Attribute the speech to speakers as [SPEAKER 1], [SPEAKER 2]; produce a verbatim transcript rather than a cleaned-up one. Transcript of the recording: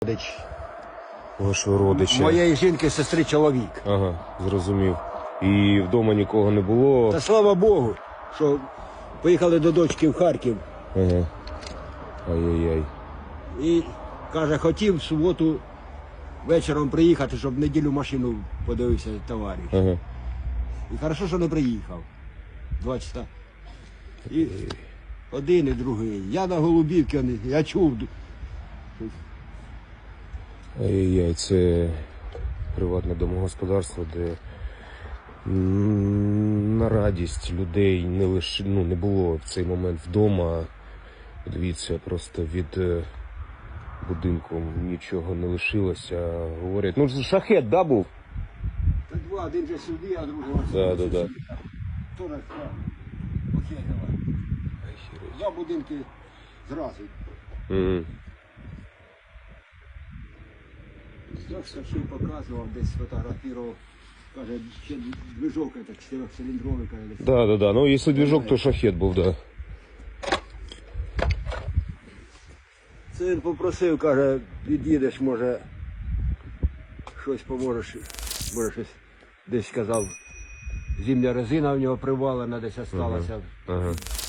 [SPEAKER 1] Родич.
[SPEAKER 2] Вашого родича.
[SPEAKER 1] Моєї жінки, сестри, чоловік.
[SPEAKER 2] Ага, зрозумів. І вдома нікого не було.
[SPEAKER 1] Та слава Богу, що поїхали до дочки в Харків.
[SPEAKER 2] Ага. Ай-яй-яй.
[SPEAKER 1] І каже, хотів в суботу вечором приїхати, щоб в неділю машину подивився товариш.
[SPEAKER 2] Ага.
[SPEAKER 1] І хорошо, що не приїхав. Два часа. І один, і другий. Я на Голубівці, вони- я чув.
[SPEAKER 2] Ай-яй-яй, це приватне домогосподарство, де м, на радість людей не лише, ну, не було в цей момент вдома. Дивіться, просто від е, будинку нічого не лишилося. Говорять, ну ж шахет, да, був?
[SPEAKER 1] Та два, один же сюди, а другий ось.
[SPEAKER 2] Да, да, да.
[SPEAKER 1] Хто на Окей, давай. Два будинки зразу.
[SPEAKER 2] Мгм.
[SPEAKER 1] Так що показував, десь фотографував. Каже, ще движок, це чотирьохциліндровий, каже.
[SPEAKER 2] Да, да, да. Ну, якщо движок, то шахет був, да.
[SPEAKER 1] Це він попросив, каже, під'їдеш, може, щось поможеш, може щось десь сказав. Зимня резина в нього привалена, десь осталася.
[SPEAKER 2] Ага.